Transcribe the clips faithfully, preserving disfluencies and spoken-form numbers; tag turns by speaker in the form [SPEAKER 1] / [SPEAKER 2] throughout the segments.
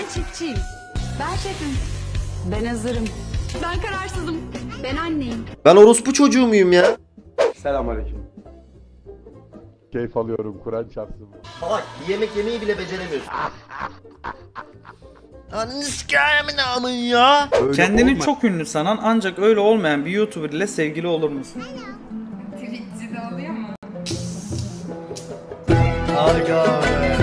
[SPEAKER 1] Ben çiftçiyim. Ben şefim. Ben hazırım. Ben kararsızım. Ben anneyim.
[SPEAKER 2] Ben orospu çocuğu muyum ya?
[SPEAKER 3] Selamünaleyküm. Keyif alıyorum, Kur'an çarpsın.
[SPEAKER 2] Salak, yemek yemeyi bile beceremiyorsun. Ananı sikâyemin amın ya.
[SPEAKER 4] Öyle Kendini olma. Çok ünlü sanan ancak öyle olmayan bir YouTuber ile sevgili olur musun?
[SPEAKER 5] Twitch'de oluyor mu?
[SPEAKER 2] Aga be.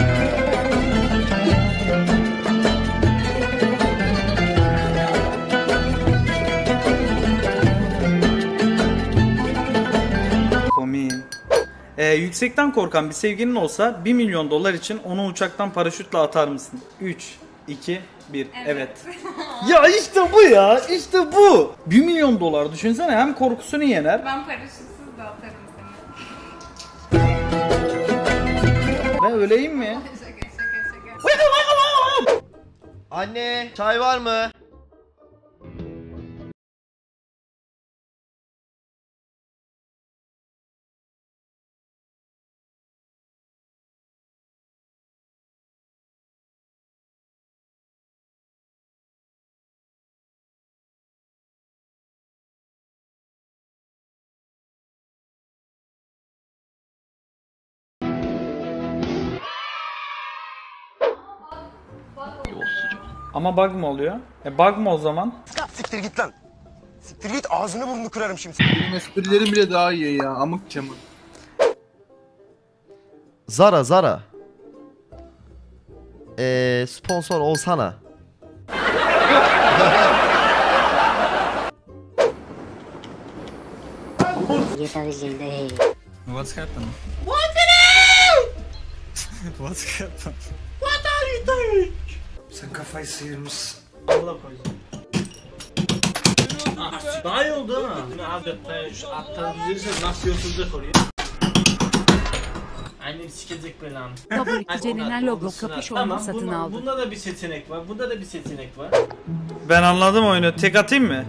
[SPEAKER 4] Komiyim. Ee, yüksekten korkan bir sevgilin olsa bir milyon dolar için onu uçaktan paraşütle atar mısın? üç, iki, bir. Evet. Evet. Ya işte bu ya. İşte bu. bir milyon dolar düşünsene, hem korkusunu yener.
[SPEAKER 5] Ben paraşütsüz de atarım seni.
[SPEAKER 4] Ben öyleyim mi?
[SPEAKER 5] Şaka şaka şaka.
[SPEAKER 2] Anne, çay var mı?
[SPEAKER 4] Ama bug mı oluyor? E bug mı o zaman?
[SPEAKER 6] Siktir git lan. Siktir git, ağzını burnunu kırarım şimdi.
[SPEAKER 7] Benim esprilerim bile daha iyi ya, amık çamur.
[SPEAKER 2] Zara Zara. Eee sponsor olsana.
[SPEAKER 4] What's happened? What's happened?
[SPEAKER 8] What are you doing?
[SPEAKER 4] Sen kafayı sıyırmışsın.
[SPEAKER 8] Allah koysun. Daha iyi oldu ha. Yine adeta şu attan düzelirse nasıl yotulacak oraya? Annem sikecek belanı.
[SPEAKER 1] Fabrikçinin logo kapüşonunu satın
[SPEAKER 8] bunda,
[SPEAKER 1] aldı.
[SPEAKER 8] Bunda da bir seçenek var. Bunda da bir seçenek var.
[SPEAKER 4] Ben anladım oyunu. Tek atayım mı?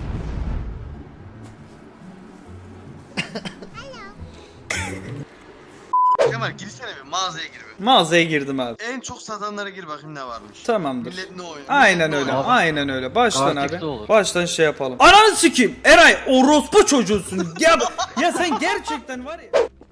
[SPEAKER 9] Kemal girsene bir mağazaya gir bir.
[SPEAKER 4] Mağazaya girdim abi.
[SPEAKER 9] En çok satanlara gir bakayım ne varmış.
[SPEAKER 4] Tamamdır.
[SPEAKER 9] Millet ne oynuyor?
[SPEAKER 4] Aynen
[SPEAKER 9] Millet
[SPEAKER 4] öyle.
[SPEAKER 9] ne
[SPEAKER 4] Aynen öyle. Baştan
[SPEAKER 7] Artık
[SPEAKER 4] abi.
[SPEAKER 7] de olur.
[SPEAKER 4] Baştan şey yapalım. Ananı sikeyim. Eray orospu çocuğusun. Ya ya sen gerçekten var ya.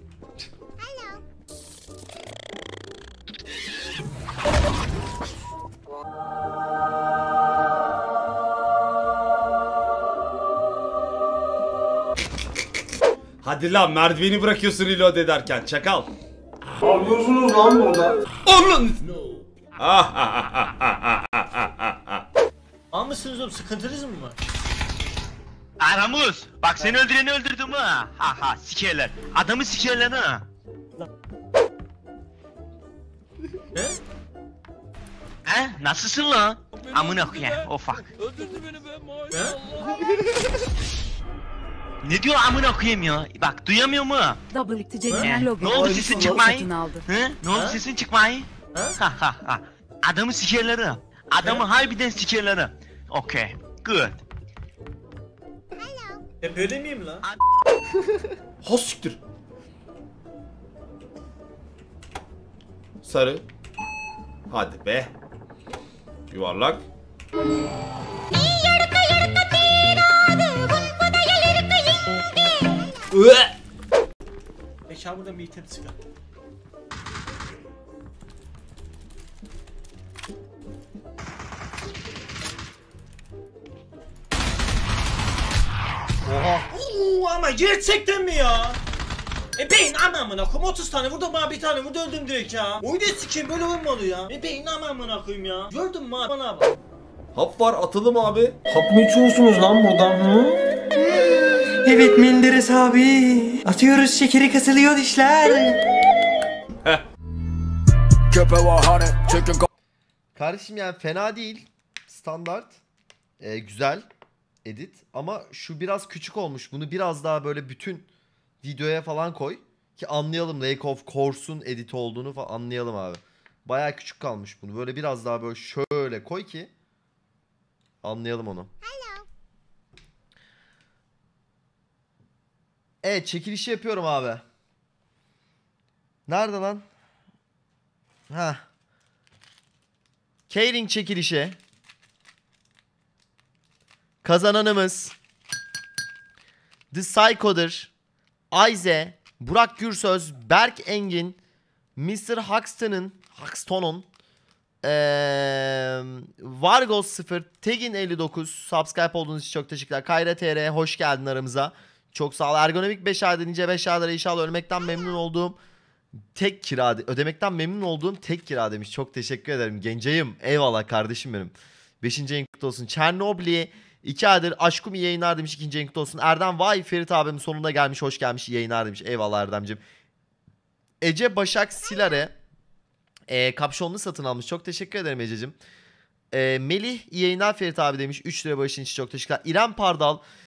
[SPEAKER 10] Hadi lan, merdiveni bırakıyorsun reload ederken çakal.
[SPEAKER 3] Ne yapıyorsunuz lan burada?
[SPEAKER 10] Onun.
[SPEAKER 8] Al mısınız oğlum? Sıkıntınız mı var?
[SPEAKER 6] Aramuz, bak seni öldüreni öldürdüm ha. Ha ha, sikerler. Adamı sikerler ha.
[SPEAKER 8] He?
[SPEAKER 6] He? Nasılsın lan? Amına koyayım, o fuck.
[SPEAKER 8] Öldürdü beni be maşallah.
[SPEAKER 6] Ne diyor amına koyayım ya? Bak duyamıyor mu?
[SPEAKER 1] Fabrikçinin logo
[SPEAKER 6] Ne oldu sesin
[SPEAKER 1] kapüşonunu
[SPEAKER 6] çıkmayı?
[SPEAKER 1] satın aldı.
[SPEAKER 6] He? Ne oldu
[SPEAKER 8] Ha?
[SPEAKER 6] sesin çıkmayı?
[SPEAKER 8] Ha?
[SPEAKER 6] Ha ha ha. Adamı sikerleri. Adamı harbiden sikerleri. Okay, good.
[SPEAKER 8] Hep öyle miyim lan?
[SPEAKER 10] Ha siktir. Sarı. Hadi be. Yuvarlak. Üe!
[SPEAKER 8] Mekan burada bir item çıkar.
[SPEAKER 2] Oha.
[SPEAKER 8] Oo, ama gerçekten mi ya? E beyin anamına koyayım, otuz tane vurdum, bana bir tane vurdu, öldüm direkt ya. Oyunu sikeyim, böyle olmalı ya. E beyin anamına koyayım ya. Gördün mü abi, bana bak.
[SPEAKER 10] Hap var, atalım abi.
[SPEAKER 4] Hap mı içiyorsunuz lan buradan? Hı? Evet Menderes abi. Atıyoruz şekeri, kasılıyor dişler.
[SPEAKER 2] Kardeşim yani fena değil. Standart. Ee, güzel. Edit. Ama şu biraz küçük olmuş. Bunu biraz daha böyle bütün videoya falan koy. Ki anlayalım Lake of Course'un edit olduğunu falan anlayalım abi. Baya küçük kalmış bunu. Böyle biraz daha böyle şöyle koy ki anlayalım onu. Evet, çekilişi yapıyorum abi. Nerede lan? Ha. Keyring çekilişi. Kazananımız The Psycho'dur. Ayze, Burak Gürsöz, Berk Engin, mister Huxton'ın Huxton'un ee, Vargos sıfır, Tegin elli dokuz subscribe olduğunuz için çok teşekkürler. Kayra T R hoş geldin aramıza. Çok sağ ol. Ergonomik beş ayda nice beş aylara inşallah ölmekten memnun olduğum tek kira ödemekten memnun olduğum tek kira demiş. Çok teşekkür ederim genceyim. Eyvallah kardeşim benim. beşinci yayın kutlu olsun. Çernobli iki aydır aşkım iyi yayınlar demiş. ikinci yayın kutlu olsun. Erdem vay Ferit abim sonunda gelmiş. Hoş gelmiş iyi yayınlar demiş. Eyvallah Erdem'cim. Ece Başak Silare e, kapşonlu satın almış. Çok teşekkür ederim Ece'cim. E, Melih iyi yayınlar Ferit abi demiş. üç lira başın için çok teşekkürler. İrem Pardal